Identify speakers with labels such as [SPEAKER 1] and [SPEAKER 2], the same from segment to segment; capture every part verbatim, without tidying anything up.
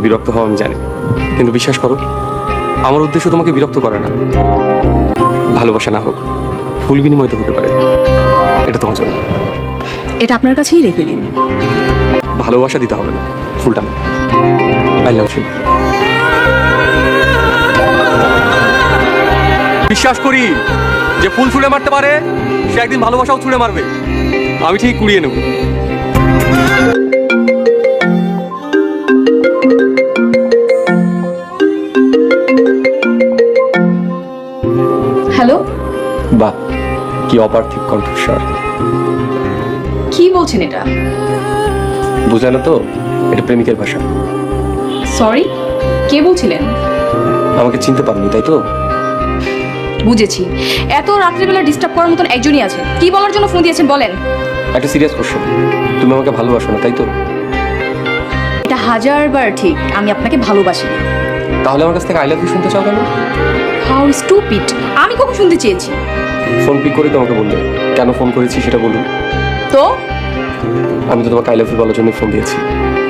[SPEAKER 1] বিরক্ত হও আমি জানি, কিন্তু বিশ্বাস করো আমার উদ্দেশ্য তোমাকে বিরক্ত করে না। ভালোবাসা না হোক, ফুল বিনিময় তো হতে পারে, এটা তোমার জন্য।
[SPEAKER 2] এটা আপনার কাছেই রেখে দিন।
[SPEAKER 1] ভালোবাসা দিতে হবে না, ফুলটা না। I love you. বিশ্বাস করি যে ফুল ছুঁড়ে মারতে পারে সে একদিন ভালোবাসাও ছুঁড়ে মারবে। আমি ঠিক কুড়িয়ে নেব।
[SPEAKER 2] হ্যালো,
[SPEAKER 1] বাহ, কি অপার্থিব কণ্ঠস্বর।
[SPEAKER 2] কি বলছেন এটা?
[SPEAKER 1] বুঝলে না তো, এটা প্রেমিকের ভাষা।
[SPEAKER 2] সরি, কে বলছিলেন?
[SPEAKER 1] আমাকে চিনতে পারোনি তাই তো?
[SPEAKER 2] বুঝেছি, এত রাত্রিবেলা ডিস্টার্ব করার মতন একজনই আছে। কি বলার জন্য ফোন দিয়েছেন বলেন।
[SPEAKER 1] একটা সিরিয়াস কোশ্চেন, তুমি আমাকে ভালোবাসো না তাই তো?
[SPEAKER 2] এটা হাজারবার ঠিক, আমি আপনাকে ভালোবাসি না।
[SPEAKER 1] তাহলে আমার কাছ থেকে আই লাভ ইউ শুনতে চাও কেন?
[SPEAKER 2] How stupid! আমি কখন শুনতে চেয়েছি?
[SPEAKER 1] ফোন পিক করে তোমাকে বললে, কেন ফোন করেছি সেটা বলুন।
[SPEAKER 2] তো
[SPEAKER 1] আমি তো তোমাকে আই লাভ ইউ বলার জন্য ফোন দিয়েছি।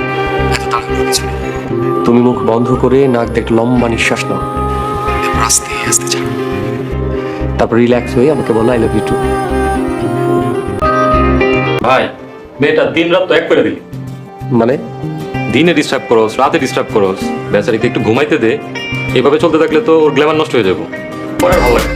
[SPEAKER 1] তুমি মুখ বন্ধ করে নাক দেখ লম্বা নিঃশ্বাস নাও, আস্তে আস্তে ছাড়ো, তারপর রিল্যাক্স হয়ে আমাকে বলো আই লাভ ইউ টু।
[SPEAKER 3] ভাই, মেয়েটা দিন রাত তো এক করে দিলি।
[SPEAKER 1] মানে
[SPEAKER 3] দিনে ডিস্টার্ব করোস, রাতে ডিস্টার্ব করোস, বেচারিকে একটু ঘুমাইতে দে। এভাবে চলতে থাকলে তো ওর গ্ল্যামার নষ্ট হয়ে যাবো। পরে ভালো লাগে।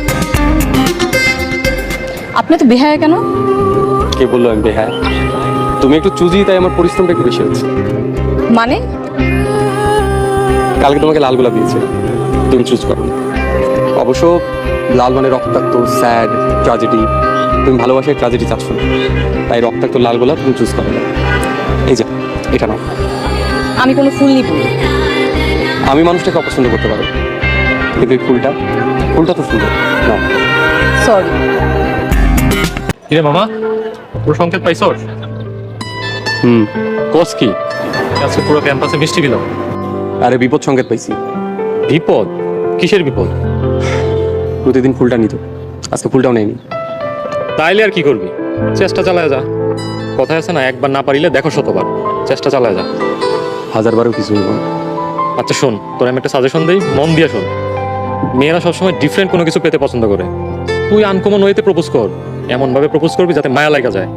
[SPEAKER 2] আপনি তো বেহায়া কেন?
[SPEAKER 1] কে বললো আমি বেহায়া? তুমি একটু চুজি, তাই আমার পরিশ্রমটা একটু বেশি হচ্ছে।
[SPEAKER 2] মানে
[SPEAKER 1] কালকে তোমাকে লাল গোলাপ দিয়েছে, তুমি চুজ করো। অবশ্য লাল মানে রক্তাক্ত, স্যাড, ট্র্যাজেডি। তুমি ভালোবাসায় ট্র্যাজেডি চাচ্ছ না, তাই রক্তাক্ত লাল গোলাপ তুমি চুজ করো না। এই যে এটা নাও।
[SPEAKER 2] আমি কোনো ফুল নিব না।
[SPEAKER 1] আমি মানুষটাকে অপছন্দ করতে পারো, কিন্তু এই ফুলটা ফুলটা তো সুন্দর নাও।
[SPEAKER 2] সরি।
[SPEAKER 3] কিরে মামা, তোর সংকেত পাইছস?
[SPEAKER 1] হুম, কোস কি?
[SPEAKER 3] আজকে পুরো ক্যাম্পাসে মিষ্টি দিলাম।
[SPEAKER 1] আরে বিপদ সংকেত পাইছি।
[SPEAKER 3] বিপদ? কিসের বিপদ?
[SPEAKER 1] প্রতিদিন ফুলটা নিত, আজকে ফুলটাও নেয়নি।
[SPEAKER 3] তাইলে আর কি করবি? চেষ্টা চালায় যা। কথা আছে না, একবার না পারিলে দেখো শতবার। চেষ্টা চালায় যা।
[SPEAKER 1] হাজারবারও কিছু নেব।
[SPEAKER 3] আচ্ছা শোন, তোর আমি একটা সাজেশন দিই, মন দিয়ে শোন। মেয়েরা সবসময় ডিফারেন্ট কোনো কিছু পেতে পছন্দ করে। তুই আনকমন ওয়েতে প্রপোজ কর, এমন ভাবে প্রপোজ করবি যাতে মায়া লাগা যায়।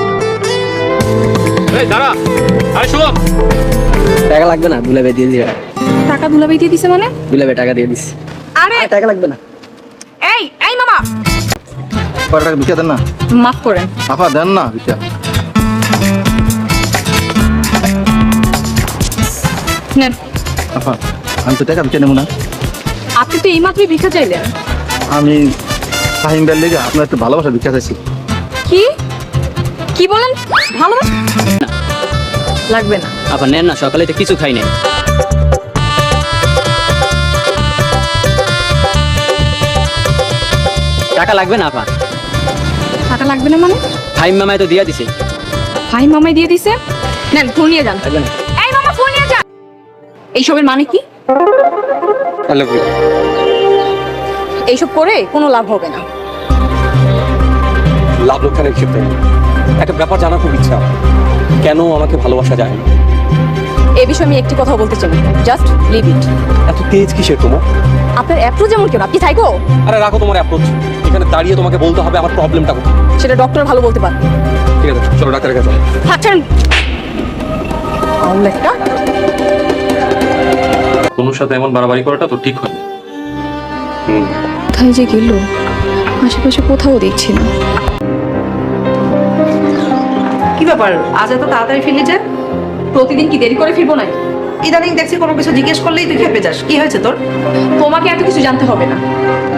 [SPEAKER 3] এই দাঁড়া, আরে শোন।
[SPEAKER 4] টাকা লাগবে না, দুলাবে দিয়ে দিবে।
[SPEAKER 2] টাকা দুলাভাই দিয়ে দিছে মানে?
[SPEAKER 4] দুলাবে টাকা দিয়ে দিস।
[SPEAKER 2] আরে
[SPEAKER 4] টাকা লাগবে না।
[SPEAKER 2] এই এই মামা,
[SPEAKER 5] কয় টাকা ভিক্ষা দেন না?
[SPEAKER 2] মাফ করেন।
[SPEAKER 5] আপা দেন না ভিক্ষা।
[SPEAKER 2] নেন।
[SPEAKER 5] আপা আমি তো টাকা ভিক্ষা নেবো না।
[SPEAKER 2] আপনি তো এইমাত্রই ভিক্ষা চাইলেন।
[SPEAKER 5] আমি ফাহিম বের লেগে আপনার একটু ভালোবাসা ভিক্ষা চাইছি।
[SPEAKER 2] কি কি বলেন? ভালো লাগবে না।
[SPEAKER 4] আপা নেন না, সকালে তো কিছু খাই নাই। টাকা লাগবে না আপা।
[SPEAKER 2] টাকা লাগবে না মানে?
[SPEAKER 4] ফাহিম মামায় তো দিয়া দিছে।
[SPEAKER 2] ভাই মামাই দিয়ে দিছে। নেন, ফোন নিয়ে যান।
[SPEAKER 4] লাগবে না।
[SPEAKER 2] এই মামা, ফোন নিয়ে যান। এইসবের মানে কি?
[SPEAKER 1] I love you.
[SPEAKER 2] এইসব করে কোনো লাভ হবে না।
[SPEAKER 1] লাভ লোকসানের ক্ষেত্রে একটা ব্যাপার জানার খুব ইচ্ছা, কেন আমাকে ভালোবাসা যায় না?
[SPEAKER 2] এই বিষয়ে আমি একটি কথা বলতে চাই, জাস্ট লিভ ইট।
[SPEAKER 1] এত তেজ কিসের তোমার?
[SPEAKER 2] আপনার অ্যাপ্রোচ যেমন কেন? আপনি থাইকো।
[SPEAKER 1] আরে রাখো তোমার অ্যাপ্রোচ, এখানে দাঁড়িয়ে তোমাকে বলতে হবে আমার প্রবলেমটা কোথায়।
[SPEAKER 2] সেটা ডক্টর ভালো বলতে পারে।
[SPEAKER 1] ঠিক আছে, চলো ডাক্তারের কাছে।
[SPEAKER 2] থাকছেন একটা
[SPEAKER 3] তনুর সাথে এমন বাড়াবাড়ি করাটা তো ঠিক হয় না।
[SPEAKER 1] হুম,
[SPEAKER 2] কোথায় যে গেল, আশেপাশে কোথাও দেখছি না।
[SPEAKER 6] কি ব্যাপার, আজ এত তাড়াতাড়ি ফিরলি যে?
[SPEAKER 2] প্রতিদিন কি দেরি করে ফিরবো না?
[SPEAKER 6] ইদানিং দেখছি কোনো কিছু জিজ্ঞেস করলেই তুই খেপে যাস। কি হয়েছে তোর?
[SPEAKER 2] তোমাকে এত কিছু জানতে হবে না।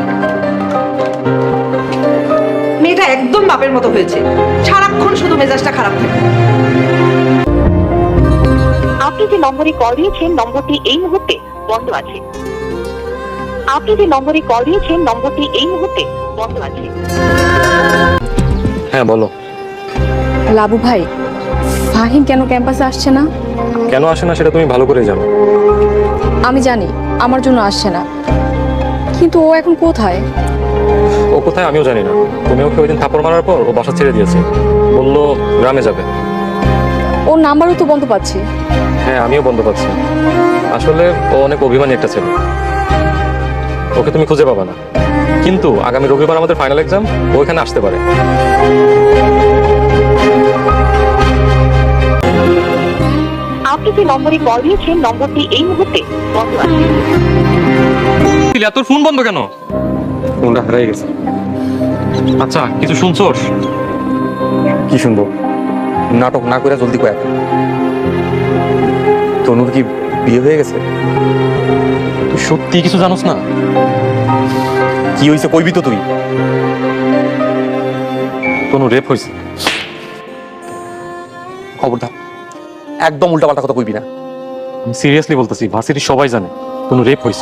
[SPEAKER 6] মেয়েটা একদম বাপের মতো হয়েছে, সারাক্ষণ শুধু মেজাজটা খারাপ থাকে।
[SPEAKER 7] আপনি যে নম্বরে কল দিয়েছেন নম্বরটি এই মুহূর্তে বন্ধ আছে। আপনি যে নম্বরে কল দিয়েছেন নম্বরটি এই মুহূর্তে বন্ধ আছে।
[SPEAKER 3] হ্যাঁ বলো।
[SPEAKER 2] লাবু ভাই, ফাহিম কেন ক্যাম্পাসে আসছে না?
[SPEAKER 3] কেন আসে না সেটা তুমি ভালো করে জানো।
[SPEAKER 2] আমি জানি আমার জন্য আসছে না, কিন্তু ও এখন কোথায়?
[SPEAKER 3] ও কোথায় আমিও জানি না। তুমি ওকে ওই দিন থাপড় মারার পর ও বাসা ছেড়ে দিয়েছে, বললো গ্রামে যাবে।
[SPEAKER 2] ওর নাম্বারও তো বন্ধ পাচ্ছি।
[SPEAKER 3] হ্যাঁ আমিও বন্ধ পাচ্ছি। আসলে ও অনেক অভিমানী একটা ছেলে, ওকে তুমি খুঁজে পাবা না। কিন্তু আগামী রবিবার আমাদের ফাইনাল এক্সাম, ও এখানে আসতে পারে।
[SPEAKER 7] আপনি যে নম্বরে কল দিয়েছেন নম্বরটি এই মুহূর্তে বন্ধ আছে।
[SPEAKER 3] তোর ফোন বন্ধ কেন?
[SPEAKER 1] ফোনটা হারিয়ে গেছে।
[SPEAKER 3] আচ্ছা, কিছু শুনছোস?
[SPEAKER 1] কি শুনবো? নাটক না করে জলদি কয়েক। তনুর কি বিয়ে হয়ে গেছে?
[SPEAKER 3] তুই সত্যি কিছু জানোস না?
[SPEAKER 1] কি হয়েছে কইবি তো তুই?
[SPEAKER 3] কোনো রেপ হয়েছে।
[SPEAKER 1] খবরদার, একদম উল্টাপাল্টা কথা কইবি না।
[SPEAKER 3] আমি সিরিয়াসলি বলতেছি, ভার্সিটি সবাই জানে কোনো রেপ হয়েছে।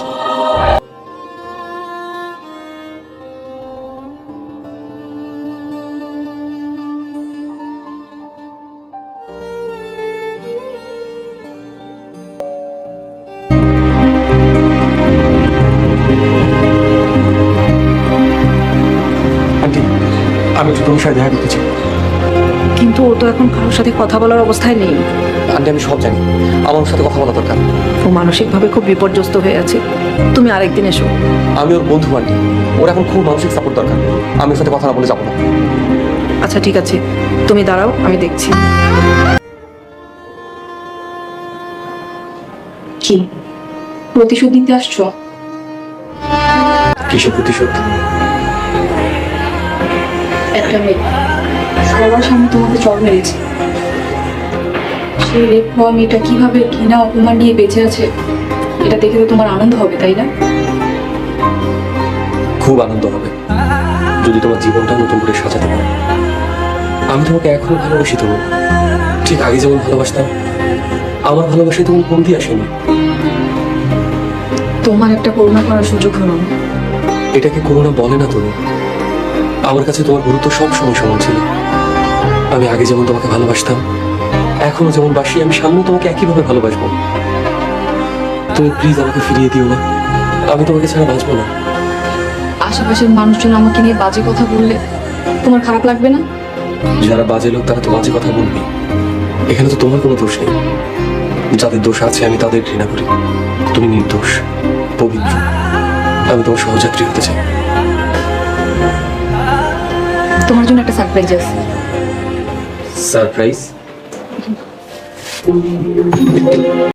[SPEAKER 1] আন্টি, আমি একটু তোমার সাথে দেখা করতে চাই।
[SPEAKER 2] কিন্তু ও তো এখন কারোর সাথে কথা বলার অবস্থায় নেই।
[SPEAKER 1] আন্টি, আমি সব জানি, আমার ওর সাথে কথা বলা দরকার।
[SPEAKER 2] ও মানসিকভাবে খুব বিপর্যস্ত হয়ে আছে। তুমি আরেকদিন এসো।
[SPEAKER 1] আমি ওর বন্ধু আন্টি, ওর এখন খুব মানসিক সাপোর্ট দরকার। আমি ওর সাথে কথা না বলে যাবো না।
[SPEAKER 2] আচ্ছা ঠিক আছে, তুমি দাঁড়াও, আমি দেখছি। কি প্রতিশোধ নিতে আসছো?
[SPEAKER 1] কিসের প্রতিশোধ?
[SPEAKER 2] একটা মেয়ে সবার সামনে তোমাকে চড় মেরেছে। সেই রেপ হওয়া মেয়েটা কিভাবে ঘৃণা অপমান নিয়ে বেঁচে আছে, এটা দেখে তো তোমার আনন্দ হবে, তাই না?
[SPEAKER 1] খুব আনন্দ হবে যদি তোমার জীবনটা নতুন করে সাজাতে পারো। আমি তোমাকে এখনো ভালোবাসি, তবু ঠিক আগে যেমন ভালোবাসতাম। আমার ভালোবাসায় তোমার কমতি আসেনি।
[SPEAKER 2] তোমার একটা করুণা করার সুযোগ হলো না।
[SPEAKER 1] এটাকে করোনা বলে না তুমি। আমার কাছে তোমার গুরুত্ব সব সময় সমান ছিল। আমি আগে যেমন তোমাকে ভালোবাসতাম, এখনো যেমন বাসি, আমি সামনে তোমাকে একইভাবে ভালোবাসবো। তুমি প্লিজ আমাকে ফিরিয়ে দিও না। আমি তোমাকে ছাড়া বাঁচবো না।
[SPEAKER 2] আশেপাশের মানুষজন আমাকে নিয়ে বাজে কথা বললে তোমার খারাপ লাগবে না?
[SPEAKER 1] যারা বাজে লোক তারা তো বাজে কথা বলবে। এখানে তো তোমার কোনো দোষ নেই। যাদের দোষ আছে আমি তাদের ঘৃণা করি। তুমি নির্দোষ, পবিত্র। আমি তোমার সহযাত্রী হতে চাই।
[SPEAKER 2] তোমার জন্য একটা সারপ্রাইজ আছে।
[SPEAKER 1] সারপ্রাইজ?